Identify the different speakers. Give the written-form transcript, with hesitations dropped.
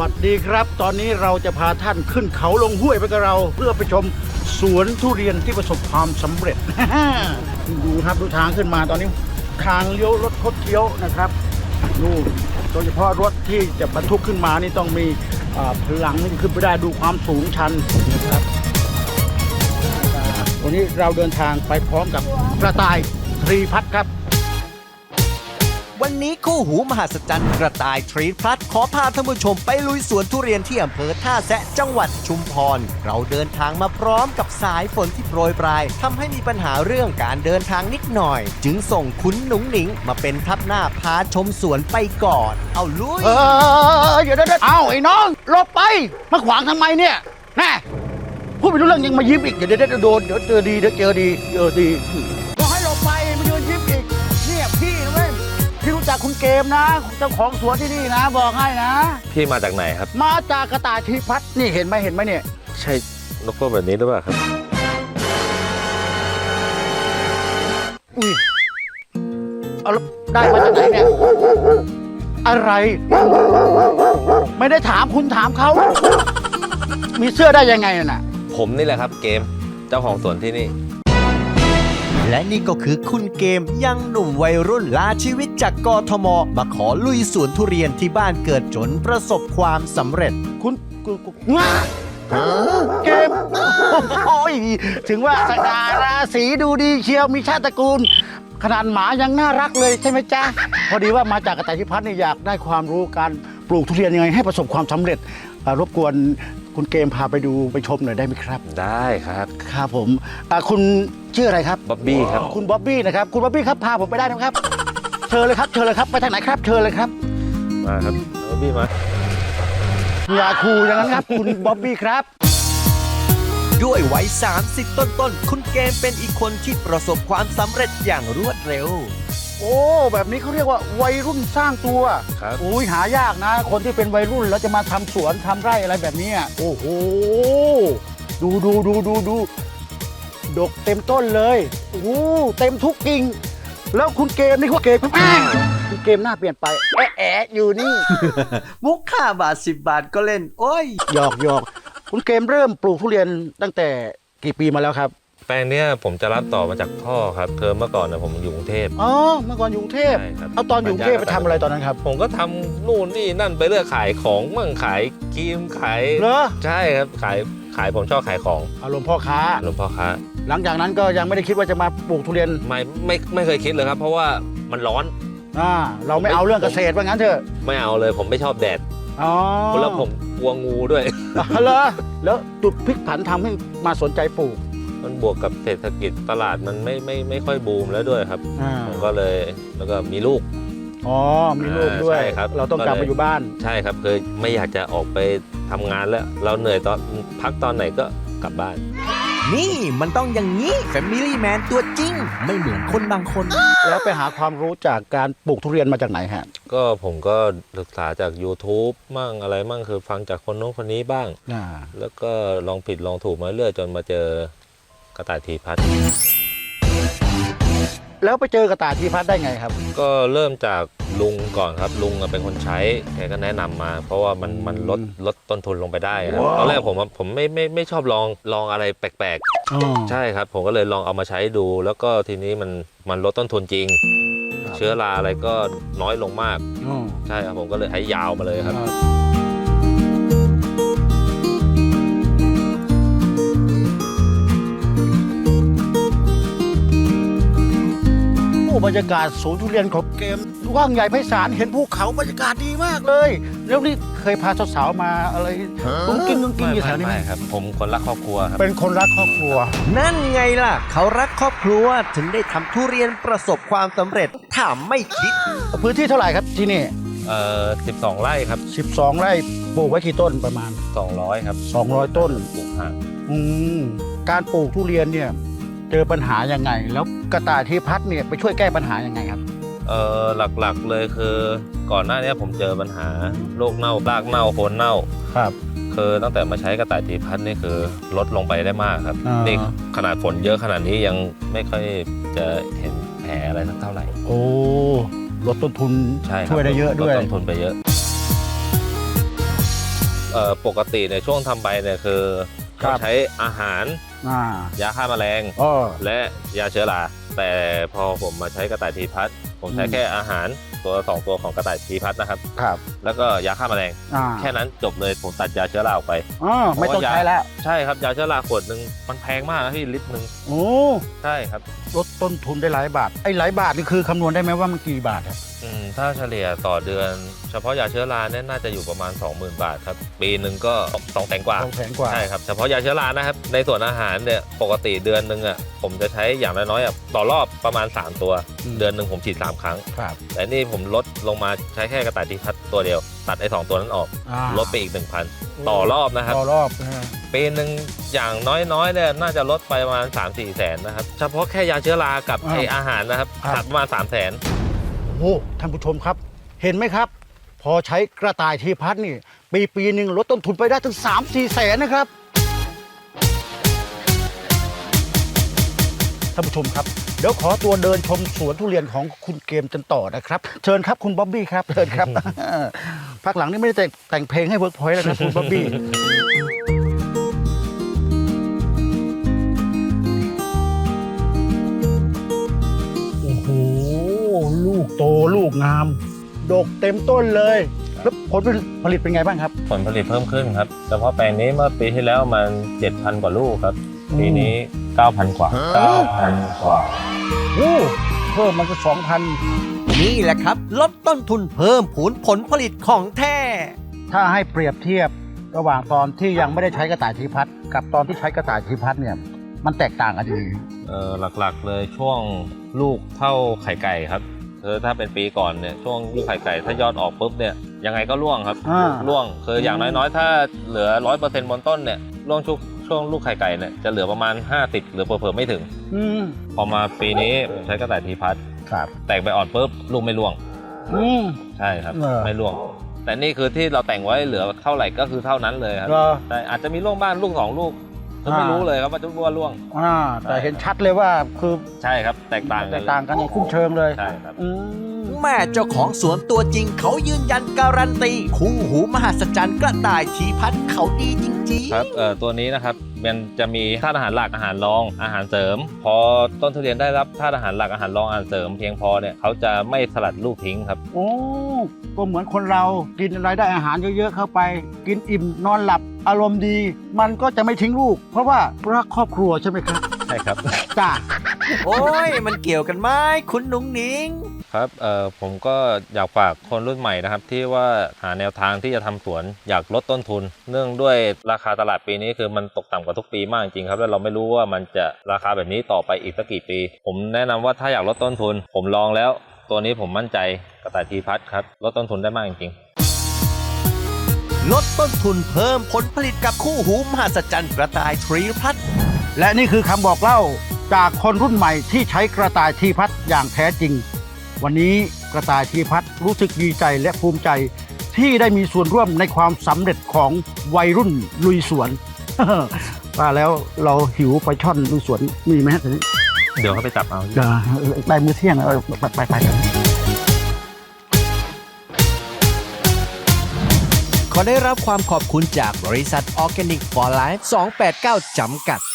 Speaker 1: สดีครับตอนนี้เราจะพาท่านขึ้นเขาลงห้วยไปกับเรา เพื่อไปชมสวนทุเรียนที่ประสบความสำเร็จ ดูครับดูทางขึ้นมาตอนนี้ทางเลี้ยวรถคดเคี้ยวนะครับนู่นโดยเฉพาะรถที่จะบรรทุกขึ้นมานี่ต้องมีพลังที่จะขึ้นไปได้ดูความสูงชันนะครับวันนี้เราเดินทางไปพร้อมกับกระต่ายทรีพัฒน์ครับ
Speaker 2: วันนี้คู่หูมหัศจรรย์กระต่ายทรีพลัสขอพาท่านผู้ชมไปลุยสวนทุเรียนที่อำเภอท่าแซะจังหวัดชุมพร เราเดินทางมาพร้อมกับสายฝนที่โปรยปลายทำให้มีปัญหาเรื่องการเดินทางนิดหน่อย จึงส่งคุณหนุ่งหนิงมาเป็นทัพหน้าพาชมสวนไปก่อน เอาลุย
Speaker 1: อย่าเดินเอาไอ้น้องหลบไปมาขวางทำไมเนี่ยแน่พูดไปรู้เรื่องยังมายิ้มอีกเดี๋ยวโดนเดี๋ยวเจอดีก็ให้หลบไปมายืนยิ้มอีกเนี่ยพี่นะเว้ยพี่รู้จักคุณเกมนะเจ้าของสวนที่นี่นะบอกให้นะ
Speaker 3: พี่มาจากไหนครับ
Speaker 1: มาจากกระต่ายทรีพัฒน์นี่เห็นไหมเนี่ย
Speaker 3: ใช่นกพวกแบบนี้หรือเปล่าครับ
Speaker 1: อุ้ยเอาแล้วได้มาจากไหนเนี่ยอะไร ไม่ได้ถามคุณถามเขามีเสื้อได้ยังไงน่ะ
Speaker 3: ผมนี่แหละครับเกมเจ้าของสวนที่นี่
Speaker 2: และนี่ก็คือคุณเกมยังหนุ่มวัยรุ่นลาชีวิตจากกทมมาขอลุยสวนทุเรียนที่บ้านเกิดจนประสบความสำเร็จ
Speaker 1: คุณงาเกมโอ้ยถึงว่าสง่าราศีดูดีเชียวมีชาติตระกูล ขนาดหมายังน่ารักเลยใช่ไหมจ๊ะ พอดีว่ามาจากกระต่ายทรีพัฒน์นี่อยากได้ความรู้การปลูกทุเรียนยังไงให้ประสบความสำเร็จรบกวนคุณเกมพาไปดูไปชมหน่อยได้ไหมครับ
Speaker 3: ได้ครับ
Speaker 1: ครับผมคุณชื่ออะไรครับ
Speaker 3: บ๊อบบี้ครับ
Speaker 1: คุณบ๊อบบี้นะครับคุณบ๊อบบี้ครับพาผมไปได้นะครับเชิญเลยครับไปทางไหนครับเชิญเลยครับ
Speaker 3: มาครับบ๊อบบี้มา
Speaker 1: อย่าคูอย่างนั้นครับ คุณบ๊อบบี้ครับ
Speaker 2: ด้วยวัย 30 ต้นๆ คุณเกมเป็นอีกคนที่ประสบความสำเร็จอย่างรวดเร็ว
Speaker 1: โอ้แบบนี้เขาเรียกว่าวัยรุ่นสร้างตัว
Speaker 3: ครับ
Speaker 1: อุ้ยหายากนะ คนที่เป็นวัยรุ่นแล้วจะมาทำสวนทำไร่อะไรแบบนี้โอ้โหดูดกเต็มต้นเลยโอ้โหเต็มทุกกิ่งแล้วคุณเกมนี่คุณเกมคุณเกมหน้าเปลี่ยนไปแอะอยู่นี่
Speaker 2: มุก5 บาท 10 บาทก็เล่น โอ้ย
Speaker 1: หยอกคุณเกมเริ่มปลูกทุเรียนตั้งแต่กี่ปีมาแล้วครับ
Speaker 3: แปลงเนี้ยผมจะรับต่อมาจากพ่อครับเธอเมื่อก่อนนะผมอยู่กรุงเทพ
Speaker 1: อ๋อเมื่อก่อนอยู่กรุงเทพ
Speaker 3: ใช่ครับ
Speaker 1: เอาตอนอยู่กรุงเทพไปทำอะไรตอนนั้นครับ
Speaker 3: ผมก็ทำนู่นนี่นั่นไปเรื่อยขายของมั่งขายครีมขาย
Speaker 1: เหรอ
Speaker 3: ใช่ครับขายผมชอบขายของ
Speaker 1: อารมณ์พ่อค้า
Speaker 3: หลวงพ่อค้า
Speaker 1: หลังจากนั้นก็ยังไม่ได้คิดว่าจะมาปลูกทุเรียน
Speaker 3: ไม่เคยคิดเลยครับ เพราะว่ามันร้อน
Speaker 1: เราไม่เอาเรื่องเกษตรว่างั้นเถอะ
Speaker 3: ไม่เอาเลยผมไม่ชอบแดด
Speaker 1: อ๋อ
Speaker 3: แล้วผมกลัวงูด้วย
Speaker 1: เหรอแล้วจุดพลิกผันทำให้มาสนใจปลูก
Speaker 3: มันบวกกับเศรษฐกิจตลาดมันไม่ค่อยบูมแล้วด้วยครับ ผมก็เลยแล้วก็มีลูก
Speaker 1: อ๋อมีลูกด้วย
Speaker 3: ใช่ครับ
Speaker 1: เราต้องกลับมาอยู่บ้าน
Speaker 3: ใช่ครับคือไม่อยากจะออกไปทำงานแล้ว เราเหนื่อยตอนพักตอนไหนก็กลับบ้าน
Speaker 2: นี่มันต้องอย่างนี้ Family Man ตัวจริง ไม่เหมือนคนบางคน
Speaker 1: แล้วไปหาความรู้จากการปลูกทุเรียนมาจากไหนฮะ
Speaker 3: ก็ผมก็ศึกษาจาก YouTube มั่งอะไรมั่งคือฟังจากคนโน้นคนนี้บ้าง แล้วก็ลองผิดลองถูกมาเรื่อยจนมาเจอกระต่ายทีพัฒน์
Speaker 1: แล้วไปเจอกระต่ายทรีพัฒน์ได้ไงครับ
Speaker 3: ก็เริ่มจากลุงก่อนครับลุงเป็นคนใช้แกก็แนะนำมา เพราะว่ามันลดต้นทุนลงไปได้ครับตอนแรกผมไม่ชอบลองอะไรแปลกๆใช่ครับผมก็เลยลองเอามาใช้ดู แล้วก็ทีนี้มันลดต้นทุนจริง เชื้อราอะไรก็น้อยลงมากใช่ครับผมก็เลยใช้ยาวมาเลยครับ
Speaker 1: บรรยากาศสวนทุเรียนของเกมกว้างใหญ่ไพศาลเห็นภูเขาบรรยากาศดีมากเลย แล้วนี่เคยพาสาวๆมาอะไรกุ้งกิ้งอยู่แถวนี้ไหม
Speaker 3: ไม่ครับผมคนรักครอบครัวครับ
Speaker 1: เป็นคนรักครอบครัว
Speaker 2: นั่นไงล่ะ เขารักครอบครัวถึงได้ทำทุเรียนประสบความสำเร็จถามไม่คิด
Speaker 1: พื้นที่เท่าไหร่ครับที่นี่
Speaker 3: 12 ไร่ครับ
Speaker 1: 12 ไร่ปลูกไว้กี่ต้นประมาณ
Speaker 3: 200ครับ
Speaker 1: 200 ต้น
Speaker 3: ปลูกห่าง
Speaker 1: การปลูกทุเรียนเนี่ยเจอปัญหายังไง แล้วกระต่ายทรีพัฒน์เนี่ยไปช่วยแก้ปัญหายังไงครับ
Speaker 3: หลักๆเลยคือก่อนหน้านี้ผมเจอปัญหาโรคเน่ารากเน่าโคนเน่า
Speaker 1: ครับ
Speaker 3: คือตั้งแต่มาใช้กระต่ายทีพัฒน์นี่คือลดลงไปได้มากครับ
Speaker 1: อ่านี่
Speaker 3: นี่ขนาดฝนเยอะขนาดนี้ยังไม่ค่อยจะเห็นแผลอะไรสักเท่าไหร่
Speaker 1: โอ้ลดต้นทุน
Speaker 3: ใช่ครับ
Speaker 1: ช่วยได้เยอะด้วย
Speaker 3: ลต้นทุนไปเยอะปกติในช่วงทำใบเนี่ยคือ
Speaker 1: ครั
Speaker 3: เรา
Speaker 1: บ
Speaker 3: ใช้อาหาร ยาฆ่าแมลง
Speaker 1: อ๋อ
Speaker 3: และยาเชื้อราแต่พอผมมาใช้กระต่ายทีพัฒน์ผมใช้
Speaker 1: อืม
Speaker 3: แค่อาหารตัว2ตัวของกระต่ายทีพัฒน์นะครับ
Speaker 1: ครับ
Speaker 3: แล้วก็ยาฆ่าแมลง แค่นั้นจบเลยผมตัดยาเชื้อราออกไป
Speaker 1: ไม่ต้องใช้แล้ว
Speaker 3: ใช่ครับยาเชื้อราขวดหนึ่งมันแพงมากนะพี่ลิตรหนึ่ง
Speaker 1: โอ้
Speaker 3: ใช่ครับ
Speaker 1: ลดต้นทุนได้หลายบาทไอ้หลายบาทนี่คือคำนวณได้ไหมว่ามันกี่บาทครับ
Speaker 3: ถ้าเฉลี่ยต่อเดือน เฉพาะยาเชื้อราเนี่ยน่าจะอยู่ประมาณ 20,000 บาทครับปีหนึ่งก็200,000 กว่า
Speaker 1: 200,000 กว่า
Speaker 3: ใช่ครับเฉพาะยาเชื้อรานะครับในส่วนอาหารเนี่ยปกติเดือนหนึ่งอ่ะผมจะใช้อย่างน้อยๆต่อรอบประมาณ3ตัว เดือนหนึ่งผมฉีด3 ครั้ง
Speaker 1: ครับ
Speaker 3: แต่นี่ผมลดลงมาใช้แค่กระต่ายทีพัฒน์ตัวเดียวตัดไอ้2ตัวนั้นออกลดไปอีก 1,000 ต่อรอบนะครับ
Speaker 1: ต่อรอบ
Speaker 3: ปีหนึ่งอย่างน้อยๆเนี่ยน่าจะลดไปประมาณ 3-4 แสนนะครับเฉพาะแค่ยาเชื้อรากับไอ้อาหารนะครับตัดประมาณ3 แสน
Speaker 1: โอ้ท่านผู้ชมครับ เห็นไหมครับ พอใช้กระต่ายทีพัฒน์นี่ปีหนึ่งลดต้นทุนไปได้ถึง 3-4 แสนนะครับท่านผู้ชมครับเดี๋ยวขอตัวเดินชมสวนทุเรียนของคุณเกมกันต่อนะครับเชิญครับคุณบ๊อบบี้ครับเชิญครับ พักหลังนี่ไม่ได้แต่งเพลงให้เวิร์กพอยต์แล้วนะคุณบ๊อบบี้ โอ้โหลูกโตลูกงาม ดกเต็มต้นเลยแล้วผลผลิตเป็นไงบ้างครับ
Speaker 3: ผลผลิตเพิ่มขึ้นครับเฉพาะแปลงนี้เมื่อปีที่แล้วมัน 7,000 กว่าลูกครับปีนี้ 9,000 กว่า 9,000 กว่า
Speaker 1: โอ้เพิ่มมันก็2,000
Speaker 2: นี่แหละครับ ลดต้นทุนเพิ่มพูนผลผลิตของแท้
Speaker 1: ถ้าให้เปรียบเทียบระหว่างตอนที่ยังไม่ได้ใช้กระต่ายทีพัฒน์กับตอนที่ใช้กระต่ายทีพัฒน์เนี่ยมันแตกต่างกันยังไง
Speaker 3: หลักๆเลยช่วงลูกเท่าไข่ไก่ครับถ้าเป็นปีก่อนเนี่ยช่วงลูกไข่ไก่ถ้ายอดออกปุ๊บเนี่ยยังไงก็ร่วงครับร่วงคืออย่างน้อยๆถ้าเหลือ 100% บนต้นเนี่ยร่วงช่วงลูกไข่ไก่เนี่ยจะเหลือประมาณ50หรือเผลอๆไม่ถึงพอมาปีนี้ผมใช้กระต่ายทีพัฒน์
Speaker 1: ครับ
Speaker 3: แตกใบอ่อนปุ๊บลูกไม่ร่วงใช่ครับไม่ร่วง แต่นี่คือที่เราแต่งไว้เหลือเท่าไหร่ก็คือเท่านั้นเลยครับแต่อาจจะมีร่วงบ้างลูก2 ลูกก็ไม่รู้เลยครับว่าจะร่วง
Speaker 1: แต่เห็นชัดเลยว่าคือ
Speaker 3: ใช่ครับแตกต่าง
Speaker 1: แตกต่างกันอย่างคุ้มเชิงเลย
Speaker 3: ใช่ครับ
Speaker 2: แม่เจ้าของสวนตัวจริงเขายืนยันการันตีคู่หูมหัศจรรย์กระต่ายทีพัฒน์เขาดีจริงๆ
Speaker 3: ครับตัวนี้นะครับมันจะมีธาตุอาหารหลักอาหารรองอาหารเสริม พอต้นทุเรียนได้รับธาตุอาหารหลักอาหารรองอาหารเสริมเพียงพอเนี่ยเขาจะไม่สลัดลูกทิ้งครับ
Speaker 1: โอ้ก็เหมือนคนเรากินอะไรได้อาหารเยอะๆเข้าไป กินอิ่มนอนหลับอารมณ์ดี มันก็จะไม่ทิ้งลูก เพราะว่ารักครอบครัวใช่ไหมครับ
Speaker 3: ใช่ครับ
Speaker 1: จ้า
Speaker 2: โอ้ยมันเกี่ยวกันไหมคุณหนุ่งหนิง
Speaker 3: ครับผมก็อยากฝากคนรุ่นใหม่นะครับที่ว่าหาแนวทางที่จะทำสวนอยากลดต้นทุน เนื่องด้วยราคาตลาดปีนี้คือมันตกต่ำกว่าทุกปีมากจริงครับแล้วเราไม่รู้ว่ามันจะราคาแบบนี้ต่อไปอีกสักกี่ปี ผมแนะนำว่าถ้าอยากลดต้นทุน ผมลองแล้วตัวนี้ผมมั่นใจกระต่ายทีพัฒน์ครับลดต้นทุนได้มากจริงๆ
Speaker 2: ลดต้นทุนเพิ่มผลผลิตกับคู่หูมหัศจรรย์กระต่ายทรีพัฒน์
Speaker 1: และนี่คือคำบอกเล่าจากคนรุ่นใหม่ที่ใช้กระต่ายทีพัฒน์อย่างแท้จริง วันนี้กระต่ายทีพัฒน์รู้สึกดีใจและภูมิใจ ที่ได้มีส่วนร่วมในความสำเร็จของวัยรุ่นลุยสวน ว่าแล้วเราหิวไปช่อนลุยสวนมีไหมฮะทีนี้
Speaker 3: เดี๋ยวเขาไปจับเอา
Speaker 1: ได้มื้อเที่ยงไป
Speaker 2: ขอได้รับความขอบคุณจากบริษัท Organic for Life 289 จำกัด